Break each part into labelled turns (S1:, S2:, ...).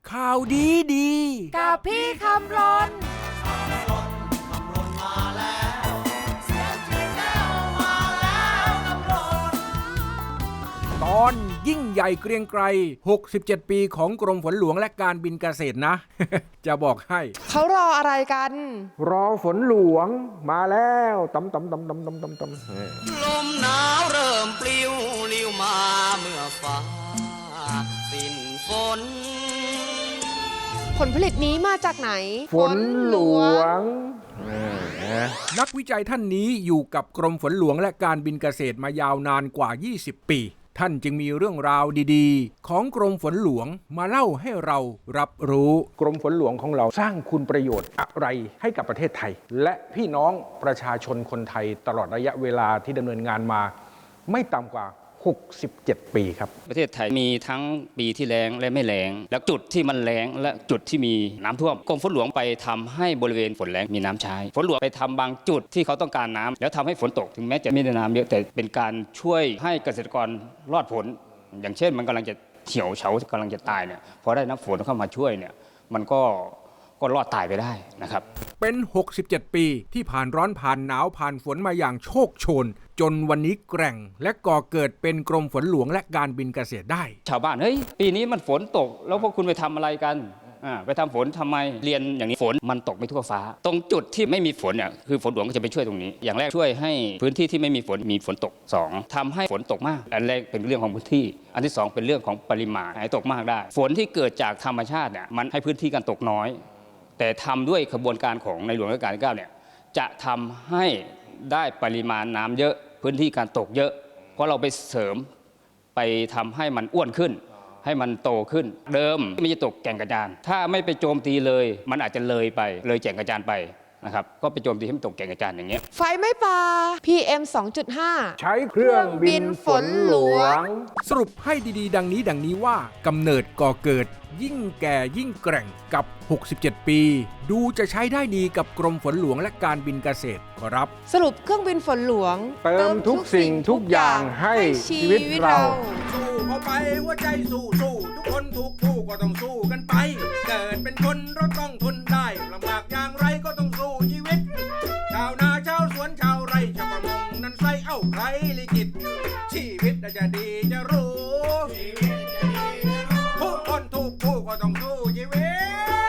S1: ข่าวดีดี
S2: กับพี่คำรน
S1: ตอนยิ่งใหญ่เกรียงไกร67 ปีของกรมฝนหลวงและการบินเกษตรนะ จะบอกให้
S2: เขารออะไรกัน
S1: รอฝนหลวงมาแล้วตำ
S3: ลมหนาวเริ่มปลิวลิ้วมาเมื่อฟ้าสิ้นฝน
S2: ผลผลิตนี้มาจากไหน
S1: ฝนหลวงนักวิจัยท่านนี้อยู่กับกรมฝนหลวงและการบินเกษตรมายาวนานกว่า20 ปีท่านจึงมีเรื่องราวดีๆของกรมฝนหลวงมาเล่าให้เรารับรู้กรมฝนหลวงของเราสร้างคุณประโยชน์อะไรให้กับประเทศไทยและพี่น้องประชาชนคนไทยตลอดระยะเวลาที่ดำเนินงานมาไม่ต่ำกว่า67 ปีครับ
S4: ประเทศไทยมีทั้งปีที่แล้งและไม่แล้งและจุดที่มันแล้งและจุดที่มีน้ำท่วมกรมฝนหลวงไปทำให้บริเวณฝนแล้งมีน้ำใช้ฝนหลวงไปทำบางจุดที่เขาต้องการน้ำแล้วทำให้ฝนตกถึงแม้จะไม่ได้น้ำเยอะแต่เป็นการช่วยให้เกษตรกรรอดผลอย่างเช่นมันกำลังจะเหี่ยวเฉากำลังจะตายเนี่ยพอได้น้ำฝนเข้ามาช่วยเนี่ยมันก็รอดตายไปได้นะครับ
S1: เป็น67 ปีที่ผ่านร้อนผ่านหนาวผ่านฝนมาอย่างโชคโชนจนวันนี้แกร่งและก่อเกิดเป็นกรมฝนหลวงและการบินเกษตรได้
S4: ชาวบ้านเฮ้ยปีนี้มันฝนตกแล้วพวกคุณไปทำอะไรกันไปทำฝนทำไมเรียนอย่างนี้ฝนมันตกไม่ทั่วฟ้าตรงจุดที่ไม่มีฝนเนี่ยคือฝนหลวงก็จะไปช่วยตรงนี้อย่างแรกช่วยให้พื้นที่ที่ไม่มีฝนมีฝนตก2ทำให้ฝนตกมากอันแรกเป็นเรื่องของพื้นที่อันที่2เป็นเรื่องของปริมาณให้ตกมากได้ฝนที่เกิดจากธรรมชาติเนี่ยมันให้พื้นที่การตกน้อยแต่ทำด้วยกระบวนการของในหลวงรัชกาลที่9เนี่ยจะทำให้ได้ปริมาณน้ำเยอะพื้นที่การตกเยอะเพราะเราไปเสริมไปทำให้มันอ้วนขึ้นให้มันโตขึ้นเดิมไม่จะตกแก่งกระจานถ้าไม่ไปโจมตีเลยมันอาจจะเลยแก่งกระจานไปนะครับก็ไปโจมตีให้มันตกแก่งกระจานอย่างเงี้ย
S2: ไฟไม่ป่า PM 2.5
S1: ใช้เครื่องบินฝนหลวงสรุปให้ดีๆดังนี้ว่ากำเนิดก่อเกิดยิ่งแก่ยิ่งแกร่งกับ67 ปีดูจะใช้ได้ดีกับกรมฝนหลวงและการบินเกษตรครับ
S2: สรุปเครื่องบินฝนหลวง
S1: เติมทุกสิ่งทุกอย่างให้ชีวิตเราสู้เข้าไปหัวใจสู้ทุกคนทุกผู้ก็ต้องสู้กันไปเกิดเป็นคนเราต้องทนได้ลำบากอย่างไรก็ต้องสู้ชีวิตชาวนาชาวสวนชาวไร่ชาวประมงนั้นใส่เอ้าใครลิขิตชีวิตจะดีจะรู้ทุกคนทุกผู้ก็ต้องสู้ชีวิต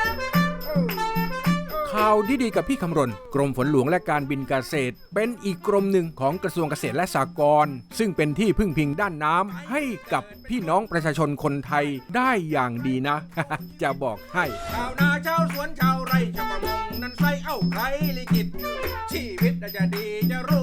S1: ข่าวดีๆกับพี่คำรณกรมฝนหลวงและการบินเกษตรเป็นอีกกรมหนึ่งของกระทรวงเกษตรและสหกรณ์ซึ่งเป็นที่พึ่งพิงด้านน้ำให้กับพี่น้องประชาชนคนไทยได้อย่างดีนะ จะบอกให้ชาวนาชาวสวนชาวไร่ชาวประมงนั้นใส่เอ้าใครลิขิตชีวิตจะดีจะรู้